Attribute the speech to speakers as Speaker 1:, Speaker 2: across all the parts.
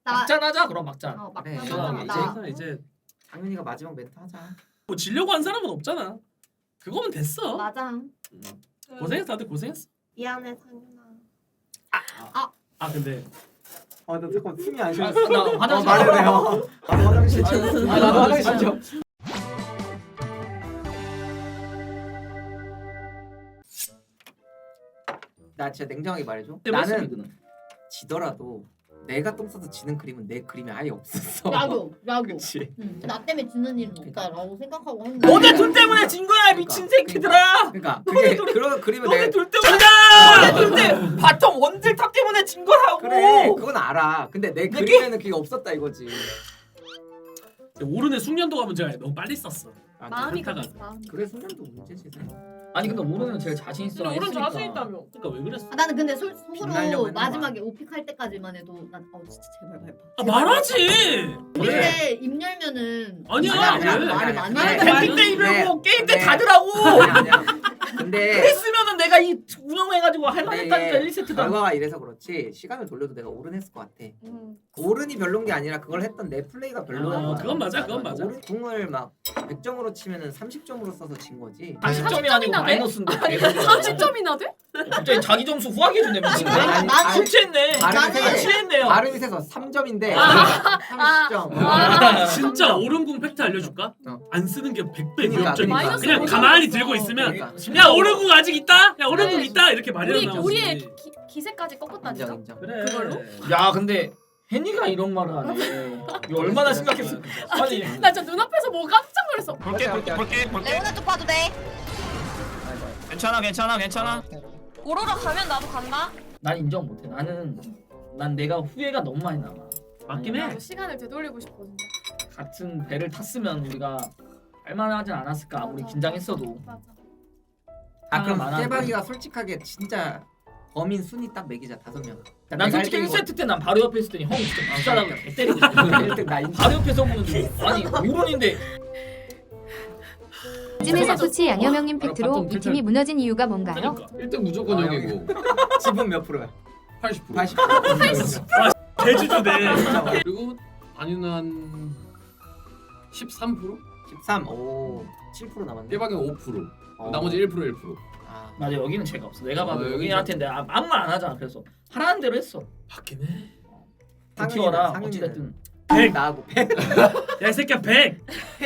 Speaker 1: 막잔 하자 그럼 막잔.
Speaker 2: 그래.
Speaker 3: 시원하게.
Speaker 2: 이제 상윤이가 마지막 멘트 하자.
Speaker 3: 뭐 지려고 한 사람은 없잖아. 그거면 됐어.
Speaker 4: 맞아.
Speaker 3: 고생했어, 다들 고생했어.
Speaker 4: 미안해 상윤아.
Speaker 3: 아 근데
Speaker 2: 나 잠깐 숨이 안 쉬어.
Speaker 1: 나 화장실
Speaker 2: 말해요. 화장실 좀.
Speaker 1: 나도 화장실 좀.
Speaker 2: 나 진짜 냉정하게 말해줘.
Speaker 1: 나는
Speaker 2: 나는 지더라도 내가 똥 싸서 지는 그림은 내 그림에 아예 없었어.
Speaker 4: 나도.
Speaker 2: 그치.
Speaker 4: 나 때문에 지는 일은 없다라고 생각하고 했는데.
Speaker 1: 너네 둘 때문에 진 거야 미친 새끼들아.
Speaker 2: 그러니까 그게 그런 그림은
Speaker 1: 너네
Speaker 2: 내
Speaker 1: 둘 때문에. 너네 둘 때 바텀 원딜 탑 때문에 진 거라고.
Speaker 2: 그래 그건 알아. 근데 내 그림에는 그게 없었다 이거지.
Speaker 3: 오른의 숙련도가 문제가 아니라 너무 빨리 썼어.
Speaker 5: 마음이
Speaker 3: 그렇다가.
Speaker 5: 급했어. 마음이.
Speaker 2: 그래 숙련도 문제지.
Speaker 1: 아니 근데 오른은 제일 자신 있어.
Speaker 5: 근데 오른 자신 있다며.
Speaker 3: 그러니까 왜 그랬어?
Speaker 4: 나는 근데
Speaker 2: 빛나려고
Speaker 4: 속으로
Speaker 2: 했나 봐.
Speaker 4: 마지막에 오픽할 때까지만 해도 난 진짜 제발 밟아.
Speaker 3: 아 말하지.
Speaker 4: 근데 입 열면은
Speaker 3: 아니야,
Speaker 4: 아니야,
Speaker 3: 왜?
Speaker 4: 말을 많이
Speaker 2: 아니야.
Speaker 4: 해.
Speaker 1: 캠핑 때
Speaker 2: 그래.
Speaker 1: 입으려고 게임 때
Speaker 2: 그래.
Speaker 1: 닫으라고.
Speaker 2: 아니야. 근데
Speaker 1: 했으면은 내가 이 운영해가지고 할 만했다니까
Speaker 2: 이게
Speaker 1: 1세트다.
Speaker 2: 결과가 이래서 그렇지 시간을 돌려도 내가 오른 했을 것 같아. 오른이 별론 게 아니라 그걸 했던 내 플레이가 별로야.
Speaker 3: 그건 맞아, 그건 맞아.
Speaker 2: 오른 궁을 막 100점으로 치면은 30점으로 써서 진 거지.
Speaker 1: 40점이 아니고
Speaker 5: 30점이나 돼?
Speaker 1: 마이너스인데.
Speaker 5: 30점이나 돼?
Speaker 1: 갑자기 자기 점수 후하게 주네 미친.
Speaker 2: 아니,
Speaker 4: 나는
Speaker 1: 술 취했네.
Speaker 2: 발음이
Speaker 4: 나는-
Speaker 2: 세서
Speaker 1: 취했네요.
Speaker 2: 발음이 세서 3점인데
Speaker 5: 아.
Speaker 2: 30점.
Speaker 3: 진짜 오른궁 팩트 알려줄까? 안 쓰는 게 100배
Speaker 2: 그러니까,
Speaker 3: 위협적이야.
Speaker 5: 그러니까.
Speaker 3: 그냥
Speaker 5: 마이너스
Speaker 3: 가만히
Speaker 5: 오점
Speaker 3: 들고
Speaker 5: 있어.
Speaker 3: 있으면
Speaker 2: 그러니까.
Speaker 3: 야 오른궁 아직 있다? 야 오른궁
Speaker 5: 네.
Speaker 3: 있다? 이렇게 말이 나오지.
Speaker 5: 우리의 기세까지 꺾었다니까.
Speaker 2: 인정.
Speaker 3: 그래.
Speaker 5: 그걸로?
Speaker 1: 야 근데 혜니가 이런 말을 하네. 이거 얼마나 심각했어. 아니
Speaker 5: 나 진짜 눈앞에서 뭐 깜짝 놀랐어.
Speaker 1: 볼게.
Speaker 4: 레오나 쪽 봐도 돼.
Speaker 1: 괜찮아.
Speaker 5: 오로라 가면 나도 간다.
Speaker 1: 난 인정 못해. 난 내가 후회가 너무 많이 남아.
Speaker 3: 맞긴 해.
Speaker 5: 나도 시간을 되돌리고 싶어 진짜.
Speaker 1: 같은 배를 탔으면 우리가 할만하진 않았을까 아무리
Speaker 5: 맞아.
Speaker 1: 긴장했어도.
Speaker 5: 맞아.
Speaker 2: 아 그럼
Speaker 1: 많아.
Speaker 2: 깨박이가 솔직하게 진짜 범인 순위 딱 매기자 5명.
Speaker 1: 난 솔직히 1세트 때 난 바로 옆에 있을 때니 형 진짜 비싸다고 개 때리고 싶어.
Speaker 2: 1등 나 인정.
Speaker 1: 바로 옆에서 보는데 아니 오른인데
Speaker 6: 쯤에서 소치 양여명님 팩트로
Speaker 3: 바텀
Speaker 6: 이 팀이 무너진 이유가 뭔가요?
Speaker 3: 그러니까.
Speaker 7: 1등 무조건 형이고
Speaker 2: 지분 몇 프로야?
Speaker 7: 80%.
Speaker 2: 80%.
Speaker 3: 대주주네.
Speaker 7: 그리고 아니는 한 13%?
Speaker 2: 13. 오. 7% 남았네.
Speaker 7: 깨박이 5%.
Speaker 2: 어.
Speaker 7: 나머지 1%.
Speaker 2: 아.
Speaker 1: 맞아 여기는 죄가 없어. 내가 봐도
Speaker 7: 여기
Speaker 1: 여기한테 내가 아무 말 안 하잖아. 그래서 하라는 대로 했어.
Speaker 3: 맞긴 해.
Speaker 1: 버티어라
Speaker 2: 상윤이는.
Speaker 1: 어찌됐든.
Speaker 2: 100 나하고 100.
Speaker 3: 야 이 새끼야 100.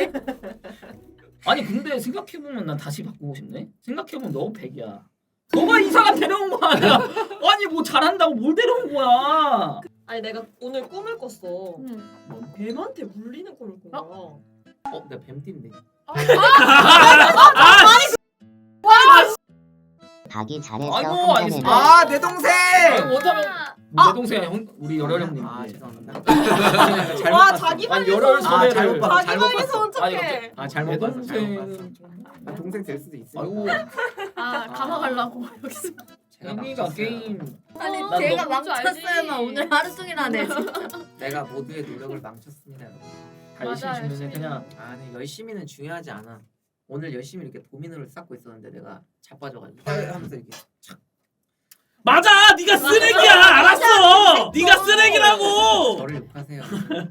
Speaker 1: 아니 근데 생각해보면 난 다시 바꾸고 싶네. 생각해보면 너 100이야. 너가 이상한 데려온 거 아니야. 아니 뭐 잘한다고 뭘 데려온 거야.
Speaker 8: 아니 내가 오늘 꿈을 꿨어.
Speaker 5: 응.
Speaker 8: 뱀한테 물리는 꿈을 꾼 거야.
Speaker 2: 내가 뱀띠인데.
Speaker 9: 가기 잘했어.
Speaker 1: 아이고,
Speaker 9: 한잔해라.
Speaker 1: 알겠습니다.
Speaker 2: 아, 내 동생.
Speaker 1: 아니 못하면 내 동생 형 우리 열혈 형님.
Speaker 2: 아, 죄송합니다.
Speaker 8: 와 자기
Speaker 1: 아니
Speaker 8: 방에서
Speaker 1: 열혈
Speaker 2: 아,
Speaker 1: 섭외를.
Speaker 2: 잘못 봤어.
Speaker 8: 자기
Speaker 2: 잘못
Speaker 8: 방에서
Speaker 2: 봤어.
Speaker 1: 아니,
Speaker 8: 어떡해.
Speaker 2: 아,
Speaker 1: 내
Speaker 2: 잘못 봤어. 잘못 봤어.
Speaker 1: 동생.
Speaker 2: 아, 동생 될 수도 있어.
Speaker 1: 아이고
Speaker 5: 감아가려고 여기서.
Speaker 1: 혜니가 게임.
Speaker 4: 아니
Speaker 5: 난
Speaker 4: 제가
Speaker 5: 너무 뭔지
Speaker 4: 망쳤어요만
Speaker 5: 알지.
Speaker 4: 오늘 하루 종일 하네.
Speaker 2: 내가 모두의 노력을 망쳤습니다, 여러분.
Speaker 1: 다 열심히
Speaker 5: 맞아,
Speaker 1: 주면 그냥
Speaker 2: 아니, 열심히는 중요하지 않아. 오늘 열심히 이렇게 도미노를 쌓고 있었는데 내가 자빠져가지고 하면서 이렇게
Speaker 3: 맞아. 네가 쓰레기야. 알았어. 네가 쓰레기라고.
Speaker 2: 저를 욕하세요.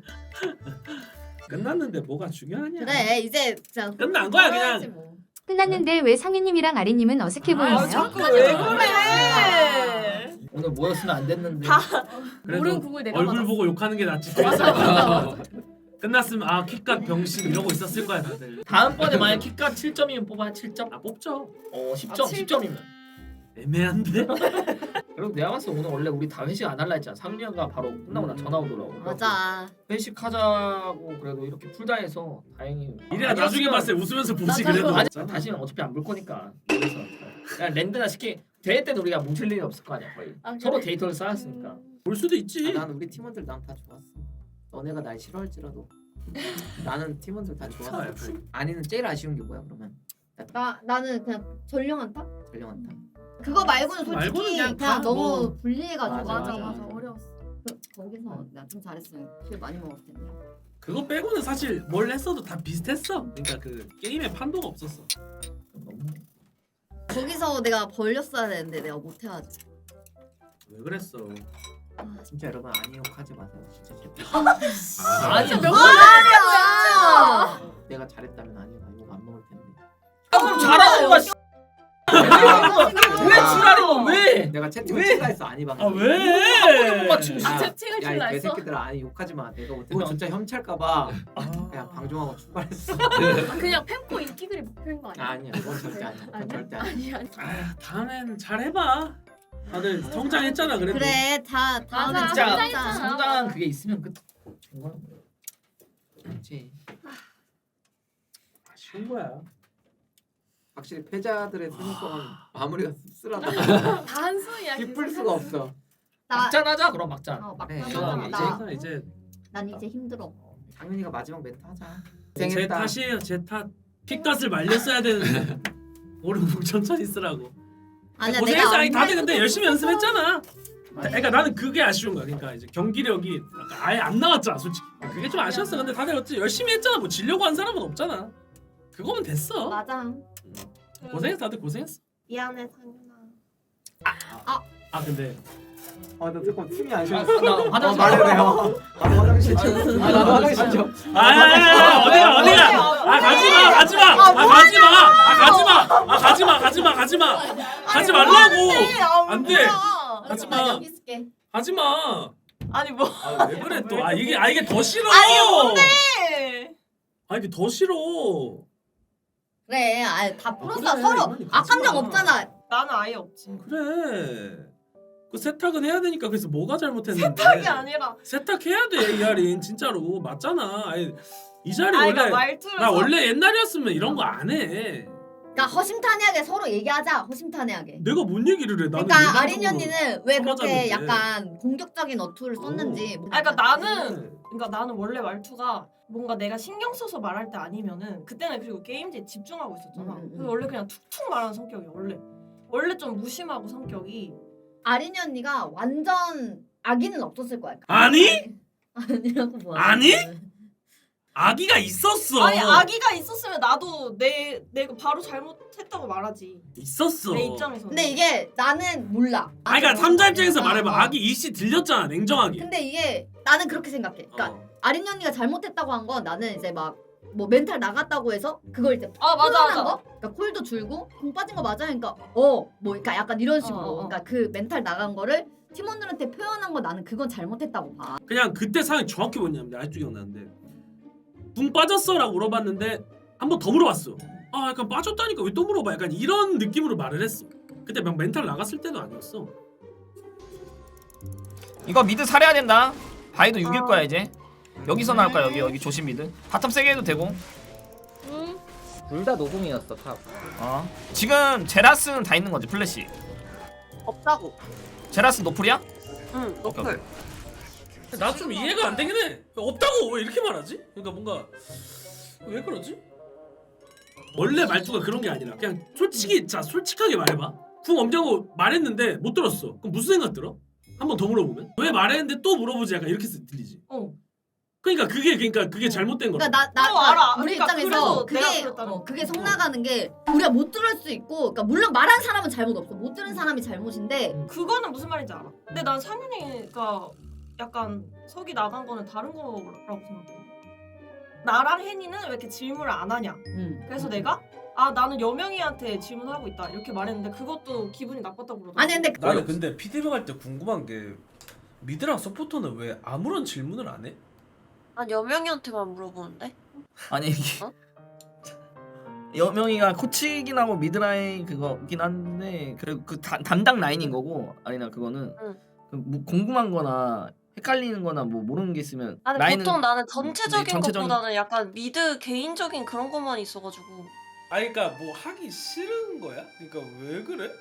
Speaker 3: 끝났는데 뭐가 중요하냐?
Speaker 4: 그래 이제 진짜
Speaker 3: 끝난 거야, 그냥.
Speaker 4: 해야지 뭐.
Speaker 6: 끝났는데 왜 상윤님이랑 아리님은 어색해 보이나요?
Speaker 8: 자꾸 왜 그래?
Speaker 1: 오늘 모였으면 안 됐는데.
Speaker 3: 그래도
Speaker 5: 오른 궁을 내가
Speaker 3: 얼굴
Speaker 5: 맞았어.
Speaker 3: 보고 욕하는 게 낫지.
Speaker 5: 맞아.
Speaker 3: 끝났으면 아 킥각 병신 이러고 있었을 거야 다들.
Speaker 1: 다음번에 만약 킥가 7점이면 뽑아야 7점?
Speaker 3: 아 뽑죠.
Speaker 1: 10점,
Speaker 5: 7점.
Speaker 1: 10점이면.
Speaker 3: 애매한데.
Speaker 1: 그리고 내가 봤을 때 오늘 원래 우리 다 회식 안 할라 했잖아. 상민이가 바로 끝나고 나 전화 오더라고.
Speaker 4: 맞아.
Speaker 1: 회식하자고 그래도 이렇게 풀다 해서 다행히.
Speaker 3: 이래야 나중에 봤을 때 웃으면서 보지
Speaker 5: 맞아.
Speaker 3: 그래도.
Speaker 1: 아니 다시는 어차피 안 볼 거니까. 그래서 그냥 랜드나 시키 대회 때는 우리가 뭉칠 일이 없을 거 아니야 거의.
Speaker 5: 아, 그래?
Speaker 1: 서로 데이터를 쌓았으니까.
Speaker 3: 볼 수도 있지.
Speaker 2: 난 우리 팀원들 난 다 좋았어. 너네가 날 싫어할지라도 나는 팀원들 다 좋았어. 아니는 제일 아쉬운 게 뭐야 그러면?
Speaker 4: 나는 그냥 전령한타?
Speaker 2: 전령한타.
Speaker 4: 그거 말고는 솔직히
Speaker 3: 말고는
Speaker 4: 그냥,
Speaker 3: 그냥 다
Speaker 4: 너무
Speaker 3: 뭐.
Speaker 4: 불리해가지고
Speaker 1: 맞아,
Speaker 5: 맞아 어려웠어.
Speaker 4: 거기서 내가 좀 잘했으면 킬 많이 먹었을 텐데.
Speaker 3: 그거 빼고는 사실 뭘 했어도 다 비슷했어. 그러니까 그 게임에 판도가 없었어.
Speaker 4: 거기서 내가 벌렸어야 되는데 내가 못해가지고.
Speaker 3: 왜 그랬어?
Speaker 2: 진짜 여러분 아니 욕하지 마세요. 진짜 제발.
Speaker 1: 아니
Speaker 5: 몇
Speaker 4: 아,
Speaker 2: 내가 잘했다면 아니 욕안 먹을 텐데.
Speaker 1: 그럼 잘하는 거야. 씨. 왜 지랄인 거 왜?
Speaker 2: 내가 채팅을
Speaker 1: 왜?
Speaker 2: 칠라 했어 아니 방금.
Speaker 1: 못
Speaker 3: 왜?
Speaker 1: 맞추고
Speaker 5: 아,
Speaker 1: 싶어.
Speaker 5: 채팅을
Speaker 2: 야이
Speaker 5: 칠라 했어?
Speaker 2: 개새끼들아 아니 욕하지 마. 내가 이거 진짜 협찰까봐 그냥 방종하고 출발했어.
Speaker 5: 아, 그냥 팬코 인기글이 목표인 거 아니야?
Speaker 2: 아니야 그건 절대 아니야. 그건 절대 아니야.
Speaker 5: 아니.
Speaker 3: 아, 다음엔 잘 해봐. 다들 성장했잖아 그래도.
Speaker 4: 그래 다 다음에
Speaker 5: 맞아.
Speaker 1: 진짜
Speaker 5: 성장했잖아.
Speaker 1: 성장한 그게 있으면 끝.
Speaker 2: 그렇지.
Speaker 3: 아쉬운 거야.
Speaker 2: 확실히 패자들의 생각은 마무리가 씁쓸하다.
Speaker 5: 단순이야.
Speaker 2: 기쁠 수가 없어.
Speaker 1: 막잔하자 그럼 막잔.
Speaker 2: 네,
Speaker 4: 나
Speaker 3: 이제
Speaker 4: 난 이제 힘들어.
Speaker 2: 상윤이가 마지막 멘트 하자.
Speaker 3: 제
Speaker 2: 고생했다.
Speaker 3: 탓이에요. 제 탓. 픽닷을 말렸어야 되는데. 오른쪽 천천히 쓰라고.
Speaker 4: 아니야
Speaker 3: 고생했어. 아니
Speaker 4: 내가
Speaker 3: 다들 근데 열심히 연습했잖아. 그러니까 나는 그게 아쉬운 거야. 그러니까 이제 경기력이 약간 아예 안 나왔잖아, 솔직히. 그게 좀 아쉬웠어. 근데 다들 어찌 열심히 했잖아. 뭐 지려고 한 사람은 없잖아. 그거면 됐어.
Speaker 4: 맞아.
Speaker 3: 고생했어. 다들 고생했어.
Speaker 8: 미안해 상윤아.
Speaker 3: 아 근데
Speaker 2: 나 조금 팀이 안
Speaker 1: 나
Speaker 2: 좋았어.
Speaker 1: 화장실
Speaker 2: 말해요. 나도 화장실 좀. 나도 화장실 좀.
Speaker 3: 어디가? 가지 말라고. 안 돼. 하지 마.
Speaker 4: 나 여기 있을게.
Speaker 3: 하지 마.
Speaker 8: 아니 뭐?
Speaker 3: 왜 그래 또? 이게 더 싫어.
Speaker 8: 아니 뭔데?
Speaker 3: 이게 더 싫어.
Speaker 4: 그래, 다 풀었어.
Speaker 3: 그래,
Speaker 4: 서로
Speaker 3: 이만희 가지
Speaker 4: 악감정
Speaker 3: 마.
Speaker 4: 없잖아.
Speaker 8: 나는 아예 없지.
Speaker 3: 그래. 그 세탁은 해야 되니까 그래서 뭐가 잘못했는데?
Speaker 8: 세탁이 아니라.
Speaker 3: 세탁해야 돼 이하린 진짜로 맞잖아. 아니, 이 자리
Speaker 8: 아니
Speaker 3: 원래
Speaker 8: 그러니까 말투를.
Speaker 3: 나 원래 옛날이었으면 이런 거 안 해.
Speaker 4: 그러니까 허심탄회하게 서로 얘기하자. 허심탄회하게.
Speaker 3: 내가 뭔 얘기를 해? 나는
Speaker 4: 그러니까 아린
Speaker 3: 일반적으로
Speaker 4: 언니는 왜 그렇게
Speaker 3: 서버졌는데.
Speaker 4: 약간 공격적인 어투를 썼는지.
Speaker 8: 아니 그러니까 나는 원래 말투가 뭔가 내가 신경 써서 말할 때 아니면은 그때는 그리고 게임즈에 집중하고 있었잖아. 그래서 원래 그냥 툭툭 말하는 성격이야 원래 좀 무심하고 성격이.
Speaker 4: 아린 언니가 완전 악의는 없었을 거야.
Speaker 3: 아니?
Speaker 4: 아니라고 뭐.
Speaker 3: 아니? 아기가 있었어.
Speaker 8: 아니 아기가 있었으면 나도 내가 바로 잘못했다고 말하지.
Speaker 3: 있었어.
Speaker 8: 내 입장에서.
Speaker 4: 근데 이게 나는 몰라.
Speaker 3: 그러니까 삼자 입장에서
Speaker 4: 어,
Speaker 3: 말해봐.
Speaker 4: 어.
Speaker 3: 아기 이씨 들렸잖아 냉정하게.
Speaker 4: 근데 이게 나는 그렇게 생각해. 그러니까 아린 언니가 잘못했다고 한 건 나는 이제 막 뭐 멘탈 나갔다고 해서 그걸 이제
Speaker 8: 아 맞아
Speaker 4: 표현한
Speaker 8: 맞아.
Speaker 4: 거? 그러니까 콜도 줄고 공 빠진 거 맞아? 그러니까 뭐 그러니까 약간 이런 식으로.
Speaker 8: 어.
Speaker 4: 그러니까 그 멘탈 나간 거를 팀원들한테 표현한 거 나는 그건 잘못했다고 봐.
Speaker 3: 그냥 그때 상황이 정확히 뭐냐면 아직도 기억나는데 붕 빠졌어라고 물어봤는데 한 번 더 물어봤어. 약간 빠졌다니까 왜 또 물어봐? 약간 이런 느낌으로 말을 했어. 그때 막 멘탈 나갔을 때도 아니었어.
Speaker 1: 이거 미드 살해야 된다. 바이도 6일 거야 이제. 여기서 나올 거야 여기 조심 미드. 바텀 세게 해도 되고.
Speaker 2: 둘 다 노공이었어 탑.
Speaker 1: 지금 제라스는 다 있는 거지 플래시.
Speaker 8: 없다고.
Speaker 1: 제라스 노플이야?
Speaker 8: 응
Speaker 1: 노플.
Speaker 3: 나 좀 이해가 안 되긴 해. 없다고 왜 이렇게 말하지? 그러니까 뭔가 왜 그러지? 원래 말투가 그런 게 아니라 그냥 솔직하게 말해봐. 궁 엄냐고 말했는데 못 들었어. 그럼 무슨 생각 들어? 한 번 더 물어보면 왜 말했는데 또 물어보지? 약간 이렇게 들리지. 그러니까 그게 잘못된 거야.
Speaker 4: 그러니까 나
Speaker 8: 알아.
Speaker 4: 우리
Speaker 8: 그러니까
Speaker 4: 입장에서
Speaker 8: 그래서 내가 그랬다는 거.
Speaker 4: 그게 성 나가는 게 우리가 못 들을 수 있고, 그러니까 물론 말한 사람은 잘못 없어. 못 들은 사람이 잘못인데.
Speaker 8: 그거는 무슨 말인지 알아. 근데 난 상윤이가 약간 석이 나간 거는 다른 거라고 생각해. 나랑 혜니는 왜 이렇게 질문을 안 하냐. 그래서 내가 나는 여명이한테 질문하고 있다 이렇게 말했는데 그것도 기분이 나빴다고 그러더라고.
Speaker 4: 아니 근데
Speaker 3: 나는 근데 피드백 할 때 궁금한 게 미드랑 서포터는 왜 아무런 질문을 안 해?
Speaker 9: 난 여명이한테만 물어보는데?
Speaker 1: 아니 이게 여명이가 코치긴 하고 미드라인 그거긴 한데 그리고 그 담당 라인인 거고 아니나 그거는 뭐 궁금한거나 헷갈리는거나 뭐 모르는 게 있으면
Speaker 9: 아니
Speaker 1: 라인은
Speaker 9: 보통 나는 전체적인
Speaker 1: 전체적인-
Speaker 9: 것보다는 약간 미드 개인적인 그런 것만 있어가지고.
Speaker 3: 그러니까 뭐 하기 싫은 거야? 그러니까 왜 그래?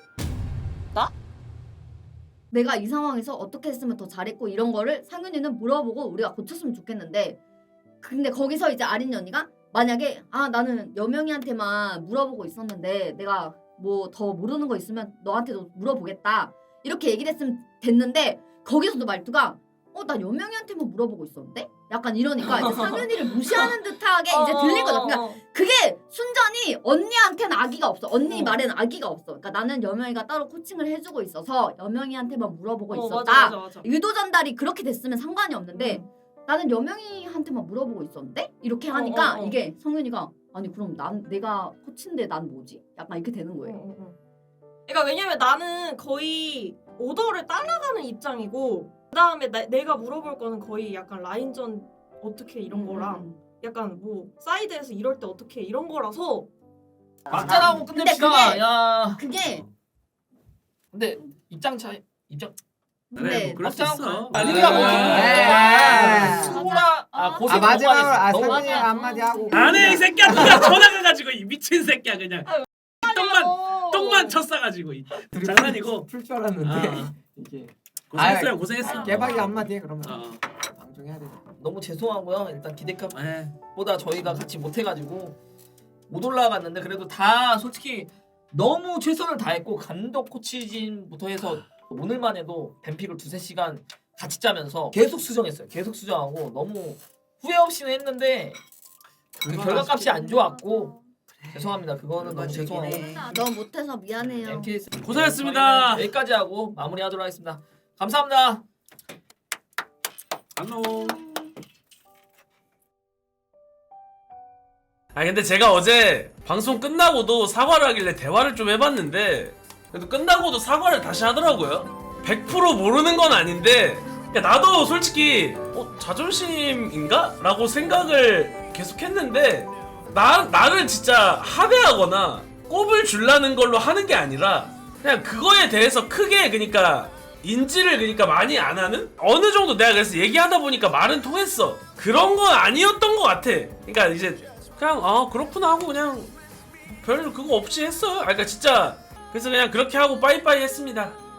Speaker 4: 내가 이 상황에서 어떻게 했으면 더 잘했고 이런 거를 상윤이는 물어보고 우리가 고쳤으면 좋겠는데, 근데 거기서 이제 아린 언니가 만약에 나는 여명이한테만 물어보고 있었는데 내가 뭐 더 모르는 거 있으면 너한테도 물어보겠다 이렇게 얘기를 했으면 됐는데, 거기서도 말투가 나 여명이한테만 물어보고 있었는데? 약간 이러니까 이제 상윤이를 무시하는 듯하게 이제 들린 거죠. 그러니까 그게 순전히 언니한테는 악의가 없어. 언니 말에는 악의가 없어. 그러니까 나는 여명이가 따로 코칭을 해주고 있어서 여명이한테만 물어보고 있었다.
Speaker 8: 맞아.
Speaker 4: 의도 전달이 그렇게 됐으면 상관이 없는데 나는 여명이한테만 물어보고 있었는데? 이렇게 하니까 이게 성윤이가 아니 그럼 내가 코치인데 난 뭐지? 약간 이렇게 되는 거예요.
Speaker 8: 그러니까 왜냐면 나는 거의 오더를 따라가는 입장이고 그다음에 내가 물어볼 거는 거의 약간 라인전 어떻게 이런 거랑 약간 뭐 사이드에서 이럴 때 어떻게 이런 거라서
Speaker 1: 막자라고
Speaker 4: 근데
Speaker 1: 끝냅시다. 야.
Speaker 4: 그게
Speaker 1: 근데 입장 차이 입장.
Speaker 3: 그래 뭐 그럴 수 있어.
Speaker 1: 우리가 뭐 수고라 고생
Speaker 2: 마지막으로
Speaker 1: 너무
Speaker 2: 상윤이 한마디 하고.
Speaker 3: 안해 이 새끼야 누가 전화가가지고 이 미친 새끼야 그냥 똥만 쳤어가지고 장난이고.
Speaker 2: 풀 줄 알았는데
Speaker 3: 아.
Speaker 2: 이게
Speaker 3: 고생했어요 고생했어.
Speaker 2: 개박이 한마디 해 그러면. 방송해야 돼.
Speaker 1: 너무 죄송하고요. 일단
Speaker 3: 에.
Speaker 1: 기대값보다 저희가 같이 못해가지고 못 올라갔는데 그래도 다 솔직히 너무 최선을 다했고 감독 코치진부터 해서 오늘만 해도 뱀픽을 2-3시간 같이 짜면서 계속 수정했어요. 계속 수정하고 너무 후회 없이는 했는데 그 결과값이 안 좋았고 죄송합니다. 그거는 너무 죄송하고
Speaker 4: 너무 못해서 미안해요.
Speaker 1: MKS
Speaker 3: 고생했습니다.
Speaker 1: 여기까지 하고 마무리하도록 하겠습니다. 감사합니다.
Speaker 3: 안녕. 아 근데 제가 어제 방송 끝나고도 사과를 하길래 대화를 좀 해봤는데 그래도 끝나고도 사과를 다시 하더라고요. 100% 모르는 건 아닌데 야, 나도 솔직히 자존심인가? 라고 생각을 계속 했는데 나를 진짜 하대하거나 꼽을 주려는 걸로 하는 게 아니라 그냥 그거에 대해서 크게 그러니까 인지를 그러니까 많이 안 하는? 어느 정도 내가 그래서 얘기하다 보니까 말은 통했어. 그런 건 아니었던 것 같아. 그러니까 이제 그냥 그렇구나 하고 그냥 별 그거 없이 했어요. 그러니까 진짜 그래서 그냥 그렇게 하고 빠이빠이 했습니다.